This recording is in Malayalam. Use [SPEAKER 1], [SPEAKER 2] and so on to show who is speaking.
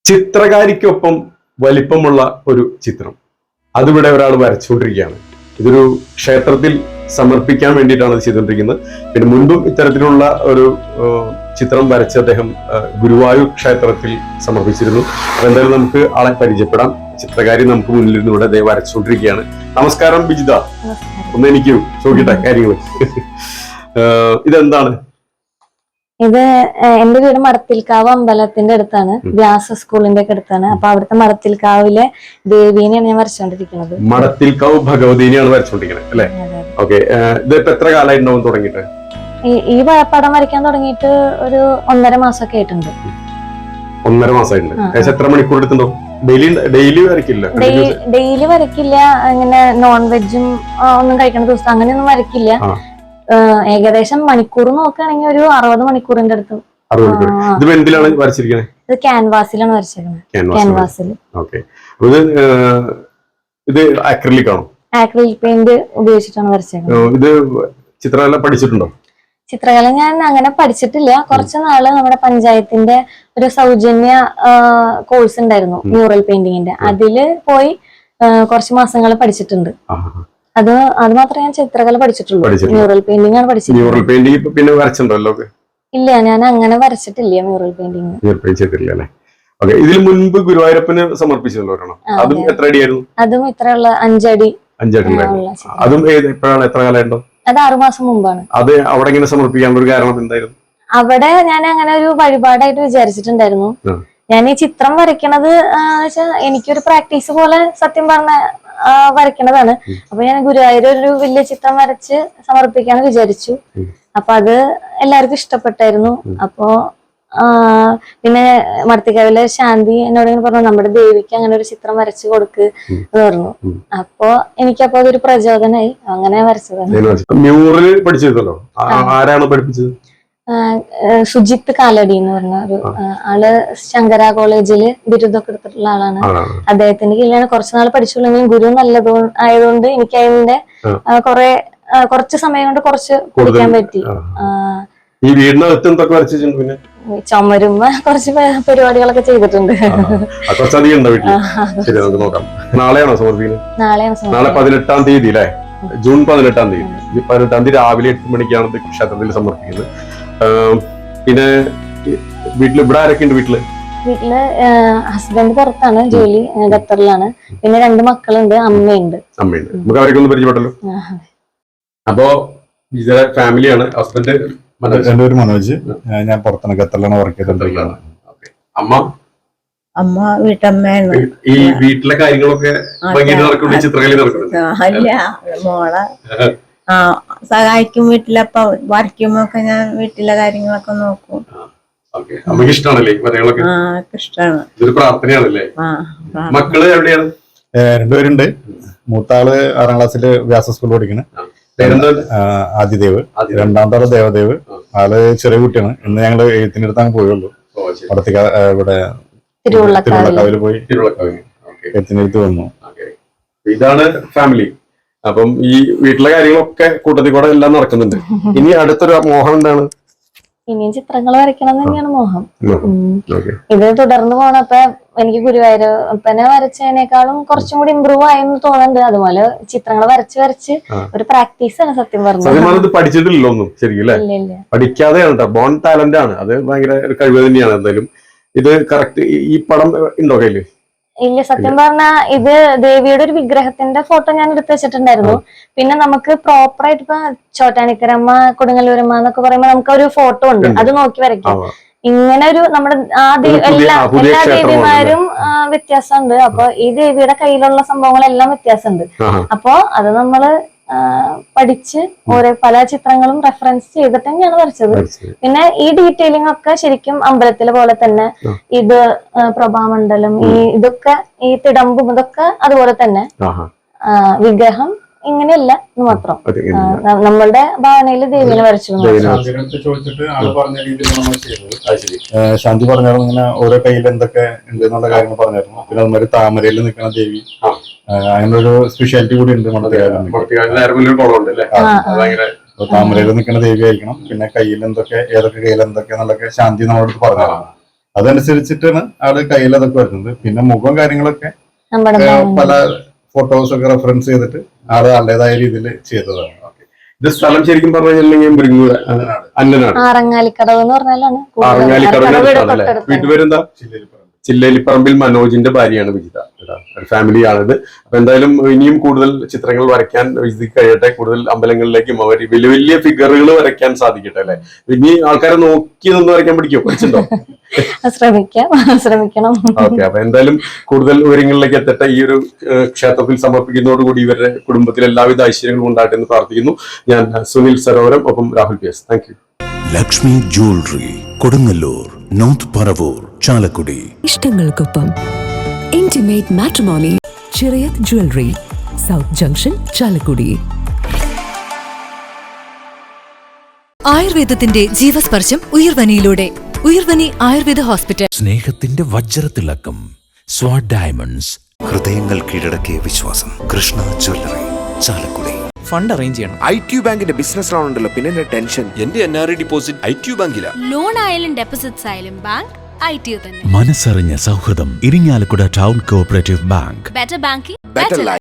[SPEAKER 1] ചിത്രകാരിക്കൊപ്പം വലിപ്പമുള്ള ഒരു ചിത്രം അതിവിടെ ഒരാൾ വരച്ചുകൊണ്ടിരിക്കുകയാണ്. ഇതൊരു ക്ഷേത്രത്തിൽ സമർപ്പിക്കാൻ വേണ്ടിയിട്ടാണ് ഇത് ചെയ്തുകൊണ്ടിരിക്കുന്നത്. പിന്നെ മുൻപും ഇത്തരത്തിലുള്ള ഒരു ചിത്രം വരച്ച് അദ്ദേഹം ഗുരുവായൂർ ക്ഷേത്രത്തിൽ സമർപ്പിച്ചിരുന്നു. അപ്പൊ എന്തായാലും നമുക്ക് ആളെ പരിചയപ്പെടാം. ചിത്രകാരി നമുക്ക് മുന്നിലിരുന്ന് ഇവിടെ അദ്ദേഹം വരച്ചുകൊണ്ടിരിക്കുകയാണ്. നമസ്കാരം ബിജിത. ഒന്ന് എനിക്ക് ചോദിക്കട്ടെ കാര്യങ്ങൾ. ഇതെന്താണ്?
[SPEAKER 2] ഇത് എന്റെ വീട് മടത്തിൽക്കാവ് അമ്പലത്തിന്റെ അടുത്താണ്, വ്യാസ സ്കൂളിന്റെ ഒക്കെ അടുത്താണ്. അപ്പൊ അവിടുത്തെ മടത്തിൽക്കാവിലെ ദേവീനെയാണ് ഞാൻ വരച്ചോണ്ടിരിക്കുന്നത്.
[SPEAKER 1] മടത്തിൽക്കാവ് ഭഗവതിനെയാണ് വരച്ചോണ്ടിരിക്കുന്നത് അല്ലെ? ഓക്കെ. ഇതിപ്പോ എത്ര കാലമായിട്ടുണ്ടാവും തുടങ്ങിയിട്ട്?
[SPEAKER 2] ഈ പടം വരയ്ക്കാൻ തുടങ്ങിയിട്ട് ഒരു 1.5 മാസമൊക്കെ ആയിട്ടുണ്ട്.
[SPEAKER 1] 1.5 മാസമായിട്ടുണ്ട്. എത്ര മണിക്കൂർ എടുത്തുണ്ടോ? ഡെയിലി വരയ്ക്കില്ല?
[SPEAKER 2] ഡെയിലി വരയ്ക്കില്ല. ഇങ്ങനെ നോൺ വെജും ഒന്നും കഴിക്കുന്ന ദിവസം അങ്ങനെയൊന്നും വരയ്ക്കില്ല. ഏകദേശം മണിക്കൂർ നോക്കുകയാണെങ്കിൽ ഒരു 60 മണിക്കൂറിന്റെ അടുത്ത്. ഇത് ക്യാൻവാസിലാണ് വരച്ചേക്കുന്നത്. ക്യാൻവാസിൽ ആക്രിലിക് പെയിന്റ് ഉപയോഗിച്ചിട്ടാണ് വരച്ചേക്കുന്നത്.
[SPEAKER 1] ഇത് ചിത്രകല പഠിച്ചിട്ടുണ്ടോ?
[SPEAKER 2] ചിത്രകല ഞാൻ അങ്ങനെ പഠിച്ചിട്ടില്ല. കുറച്ചു നാള് നമ്മുടെ പഞ്ചായത്തിന്റെ ഒരു സൗജന്യ കോഴ്സ് ഉണ്ടായിരുന്നു മ്യൂറൽ പെയിന്റിങ്ങിന്റെ. അതില് പോയി കുറച്ച് മാസങ്ങൾ പഠിച്ചിട്ടുണ്ട്. അത് മാത്രമേ ഞാൻ ചിത്രകല പഠിച്ചിട്ടുള്ളൂ. മ്യൂറൽ പെയിന്റിംഗ് ആണ് പഠിച്ചത്.
[SPEAKER 1] മ്യൂറൽ പെയിന്റിംഗ് പിന്നെ വരച്ചിട്ടുണ്ടല്ലോ?
[SPEAKER 2] ഇല്ല, ഞാൻ അങ്ങനെ വരച്ചിട്ടില്ല മ്യൂറൽ പെയിന്റിംഗ്.
[SPEAKER 1] ഇതിന് മുൻപ് ഗുരുവായൂരപ്പന് സമർപ്പിച്ചിട്ടുണ്ടോ? അതും എത്ര അടിയായിരുന്നു?
[SPEAKER 2] അതും ഇത്രയുള്ള 5 അടി.
[SPEAKER 1] 5 അടി. അതും എപ്പോഴാണ്, എത്ര കാലമുണ്ടോ?
[SPEAKER 2] അത് 6 മാസം മുമ്പാണ്.
[SPEAKER 1] അത് അവിടെ ഇങ്ങനെ സമർപ്പിക്കാനുള്ള ഒരു കാരണം എന്തായിരുന്നു?
[SPEAKER 2] അവിടെ ഞാൻ അങ്ങനെ ഒരു വഴിപാടായിട്ട് വിചാരിച്ചിട്ടുണ്ടായിരുന്നു. ഞാൻ ഈ ചിത്രം വരയ്ക്കണത് എനിക്കൊരു പ്രാക്ടീസ് പോലെ സത്യം പറഞ്ഞ വരയ്ക്കണതാണ്. അപ്പൊ ഞാൻ ഗുരുവായൂർ ഒരു വലിയ ചിത്രം വരച്ച് സമർപ്പിക്കാന്ന് വിചാരിച്ചു. അപ്പൊ അത് എല്ലാവർക്കും ഇഷ്ടപ്പെട്ടായിരുന്നു. അപ്പോ പിന്നെ മടത്തിക്കാവിലെ ശാന്തി എന്നോട് ഇങ്ങനെ പറഞ്ഞു, നമ്മുടെ ദേവിക്ക് അങ്ങനെ ഒരു ചിത്രം വരച്ചു കൊടുക്ക് എന്ന് പറഞ്ഞു. അപ്പൊ എനിക്കപ്പോ അതൊരു പ്രചോദനമായി. അങ്ങനെ വരച്ചതാണ്.
[SPEAKER 1] മ്യൂറൽ പഠിച്ചിരുന്നല്ലോ, ആരാണ് പഠിപ്പിച്ചത്?
[SPEAKER 2] സുജിത്ത് കാലടി എന്ന് പറഞ്ഞ ഒരു ആള് ശങ്കര കോളേജില് ബിരുദമൊക്കെ എടുത്തിട്ടുള്ള ആളാണ്. അദ്ദേഹത്തിന്റെ കീഴിലാണ് കുറച്ചുനാൾ പഠിച്ചുള്ളെങ്കിലും ഗുരു നല്ലത് ആയതുകൊണ്ട് എനിക്ക് അതിന്റെ കുറച്ച് സമയം കൊണ്ട് കുറച്ച് പഠിക്കാൻ പറ്റി.
[SPEAKER 1] ഈ വീടിനകത്ത് എന്തൊക്കെ വരച്ചിട്ടുണ്ട്? പിന്നെ
[SPEAKER 2] ചുമരുമ്പോ കുറച്ച് പരിപാടികളൊക്കെ ചെയ്തിട്ടുണ്ട്.
[SPEAKER 1] നാളെയാണോ സമർപ്പിക്കുന്നത്? നാളെ 18-ാം തീയതി അല്ലേ? ജൂൺ 18-ാം തീയതി. 18-ാം തീയതി രാവിലെ 8 മണിക്കാണ് ക്ഷേത്രത്തിൽ സമർപ്പിക്കുന്നത്. പിന്നെ വീട്ടില് ഇവിടെ ആരൊക്കെ ഉണ്ട്? വീട്ടില്
[SPEAKER 2] ഹസ്ബൻഡ് പുറത്താണ് ജോലി, ഖത്തറിലാണ്. പിന്നെ 2 മക്കളുണ്ട്, അമ്മയുണ്ട്.
[SPEAKER 1] നമുക്ക് അവരൊക്കെ ഒന്ന് പരിചയപ്പെട്ടല്ലോ. അപ്പോ ഫാമിലിയാണ്. ഹസ്ബൻഡ്
[SPEAKER 3] എന്റെ പേര് മനോജ്, ഞാൻ പുറത്താണ്, ഖത്തറിലാണ് വർക്ക് ചെയ്തോണ്ടിരിക്കുന്നത്.
[SPEAKER 4] അമ്മ വീട്ടമ്മയാണ്.
[SPEAKER 1] ഈ വീട്ടിലെ കാര്യങ്ങളൊക്കെ ചിത്രകലി നടക്കുന്നത്
[SPEAKER 4] അല്ല, മോളെ സഹായിക്കും. വീട്ടിലപ്പ വരയ്ക്കുമ്പോ ഒക്കെ ഞാൻ വീട്ടിലെ കാര്യങ്ങളൊക്കെ നോക്കും.
[SPEAKER 1] അമ്മക്ക് ഇഷ്ടമാണല്ലേ വരകളൊക്കെ?
[SPEAKER 4] ഇഷ്ടമാണ്.
[SPEAKER 1] ഇതൊരു പ്രാർത്ഥനയാണല്ലേ? മക്കള് എവിടെയാണ്?
[SPEAKER 3] 2 പേരുണ്ട്. മൂത്താള് 6ാം ക്ലാസ്സില് വ്യാസ സ്കൂളിൽ പഠിക്കുന്നത്, ആദിദേവ്. 2ാമത്തെ ആള് ദേവദേവ്. ആള് ചെറിയ കുട്ടിയാണ്. ഇന്ന് ഞങ്ങള് എഴുത്തിന്റെ അടുത്ത് അങ്ങ് പോയുള്ളൂ. ഇവിടെ തിരുവള്ളക്കാവില് പോയി എഴുത്തിന്റെ അടുത്ത് വന്നു.
[SPEAKER 1] ഇതാണ് ഫാമിലി. അപ്പം ഈ വീട്ടിലെ കാര്യങ്ങളൊക്കെ കൂട്ടത്തിൽ കൂടെ എല്ലാം നടക്കുന്നുണ്ട്. ഇനി അടുത്തൊരു മോഹം എന്താണ്?
[SPEAKER 2] ഇനിയും ചിത്രങ്ങൾ വരയ്ക്കണം തന്നെയാണ് മോഹം. ഇത് തുടർന്ന് പോണപ്പോ എനിക്ക് ഗുരുവായൂരപ്പനെ വരച്ചതിനേക്കാളും കുറച്ചും കൂടി ഇമ്പ്രൂവ് ആയെന്ന് തോന്നുന്നുണ്ട്. അതുപോലെ ചിത്രങ്ങൾ വരച്ച് ഒരു പ്രാക്ടീസ് ആണ് സത്യം പറഞ്ഞത്.
[SPEAKER 1] പഠിച്ചിട്ടില്ലല്ലോ ഒന്നും ശരിക്കും അല്ലേ? പഠിക്കാതെയാണ്, ബോൺ ടാലന്റ് ആണ്. അത് ഭയങ്കര ഒരു കഴിവ് തന്നെയാണ്. എന്തായാലും ഇത് കറക്റ്റ്. ഈ പടം ഉണ്ടോ കയ്യില്?
[SPEAKER 2] ഇല്ല, സത്യം പറഞ്ഞാ ഇത് ദേവിയുടെ ഒരു വിഗ്രഹത്തിന്റെ ഫോട്ടോ ഞാൻ എടുത്ത് വെച്ചിട്ടുണ്ടായിരുന്നു. പിന്നെ നമുക്ക് പ്രോപ്പർ ആയിട്ട് ഇപ്പൊ ചോറ്റാനിക്കരമ്മ, കൊടുങ്ങല്ലൂരമ്മ എന്നൊക്കെ പറയുമ്പോ നമുക്ക് ഒരു ഫോട്ടോ ഉണ്ട്, അത് നോക്കി വരയ്ക്കാം. ഇങ്ങനെ ഒരു നമ്മുടെ എല്ലാ ദേവിമാരും വ്യത്യാസമുണ്ട്. അപ്പൊ ഈ ദേവിയുടെ കയ്യിലുള്ള സംഭവങ്ങളെല്ലാം വ്യത്യാസമുണ്ട്. അപ്പൊ അത് നമ്മള് പഠിച്ച് പല ചിത്രങ്ങളും റെഫറൻസ് ചെയ്തിട്ട് തന്നെയാണ് വരച്ചത്. പിന്നെ ഈ ഡീറ്റെയിലിംഗ് ഒക്കെ ശരിക്കും അമ്പലത്തിലെ പോലെ തന്നെ, ഇത് പ്രഭാമണ്ഡലം, ഇതൊക്കെ ഈ തിടമ്പും ഇതൊക്കെ അതുപോലെ തന്നെ. വിഗ്രഹം ഇങ്ങനെയല്ല എന്ന് മാത്രം. നമ്മളുടെ ഭാവനയില് ദേവിനെ വരച്ചു.
[SPEAKER 3] ശാന്തി പറഞ്ഞായിരുന്നു ഇങ്ങനെ ഓരോ കയ്യിൽ എന്തൊക്കെ ഉണ്ട് എന്നുള്ള കാര്യങ്ങൾ പറഞ്ഞായിരുന്നു. പിന്നെ അതുമാതിരി താമരയിൽ നിൽക്കുന്ന ദേവി, അങ്ങനെ ഒരു സ്പെഷ്യാലിറ്റി കൂടി ഉണ്ട് താമരയിൽ നിൽക്കുന്ന ദേവി ആയിരിക്കണം. പിന്നെ കയ്യിൽ എന്തൊക്കെ, ഏതൊക്കെ കയ്യിൽ എന്തൊക്കെ എന്നുള്ളതൊക്കെ ശാന്തി നമ്മളോട് പറഞ്ഞതാണ്. അതനുസരിച്ചിട്ടാണ് ആള് കയ്യിൽ അതൊക്കെ വരുന്നത്. പിന്നെ മുഖം കാര്യങ്ങളൊക്കെ
[SPEAKER 2] നമ്മുടെ
[SPEAKER 3] പല ഫോട്ടോസ് ഒക്കെ റെഫറൻസ് ചെയ്തിട്ട് ആള് ആളുടേതായ രീതിയിൽ ചെയ്തതാണ്.
[SPEAKER 1] ഇത് സ്ഥലം ശരിക്കും പറഞ്ഞു കഴിഞ്ഞിട്ടുണ്ടെങ്കിൽ മുരിങ്ങൂർ അന്നനാട്,
[SPEAKER 2] ആറങ്ങാലിക്കടവ് എന്ന് പറഞ്ഞാലാണ്
[SPEAKER 1] ആറങ്ങാലിക്കടവിലെ വീട്ടുപേരെന്താ? ചില്ലേലിപ്പറമ്പിൽ മനോജിന്റെ ഭാര്യയാണ് വിജിത. ഒരു ഫാമിലിയാണിത്. അപ്പൊ എന്തായാലും ഇനിയും കൂടുതൽ ചിത്രങ്ങൾ വരയ്ക്കാൻ വിജിതയ്ക്ക് കഴിയട്ടെ. കൂടുതൽ അമ്പലങ്ങളിലേക്കും അവർ വലിയ വലിയ ഫിഗറുകൾ വരയ്ക്കാൻ സാധിക്കട്ടെ അല്ലെ. ഇനി ആൾക്കാരെ നോക്കി നിന്ന് വരയ്ക്കാൻ പഠിച്ചോ?
[SPEAKER 2] ശ്രമിക്കണം.
[SPEAKER 1] ഓക്കെ, അപ്പൊ എന്തായാലും കൂടുതൽ ഉയരങ്ങളിലേക്ക് എത്തട്ടെ. ഈ ഒരു ക്ഷേത്രത്തിൽ സമർപ്പിക്കുന്നതോടുകൂടി ഇവരുടെ കുടുംബത്തിൽ എല്ലാവിധ ഐശ്വര്യങ്ങളും ഉണ്ടാകട്ടെ എന്ന് പ്രാർത്ഥിക്കുന്നു. ഞാൻ സുനിൽ സരോവരം, ഒപ്പം Rahul PS. Thank you.
[SPEAKER 5] Lakshmi jewellery, Kodungallur, north Paravur, Chalakudy.
[SPEAKER 6] ഇഷ്ടങ്ങൾക്കൊപ്പം intimate matrimony, Chirayath jewellery, south junction, Chalakudy.
[SPEAKER 7] ആയുർവേദത്തിന്റെ ജീവസ്പർശം ഉയർവനിയിലൂടെ. ഉയർവനി ആയുർവേദ ഹോസ്പിറ്റൽ.
[SPEAKER 5] സ്നേഹത്തിന്റെ വജ്രത്തിളക്കം സ്വാഡ് ഡയമണ്ട്സ്.
[SPEAKER 8] ഹൃദയങ്ങൾ കീഴടക്കിയ വിശ്വാസം. Krishna jewellery, Chalakudy.
[SPEAKER 9] Fund arrange ചെയ്യണം.
[SPEAKER 8] ITU ബാങ്കിന്റെ ബിസിനസ് ലോൺ ഉണ്ടല്ലോ, പിന്നെ ടെൻഷൻ.
[SPEAKER 9] എന്റെ NRI ഡിപ്പോസിറ്റ് ITU ബാങ്കിലാ.
[SPEAKER 7] ലോൺ ആയാലും ഡെപ്പോസിറ്റ്സ് ആയാലും ബാങ്ക് ITU തന്നെ.
[SPEAKER 5] മനസ്സറിഞ്ഞ സൗഹൃദം, Irinjalakuda town cooperative bank.
[SPEAKER 7] Better banking,
[SPEAKER 8] better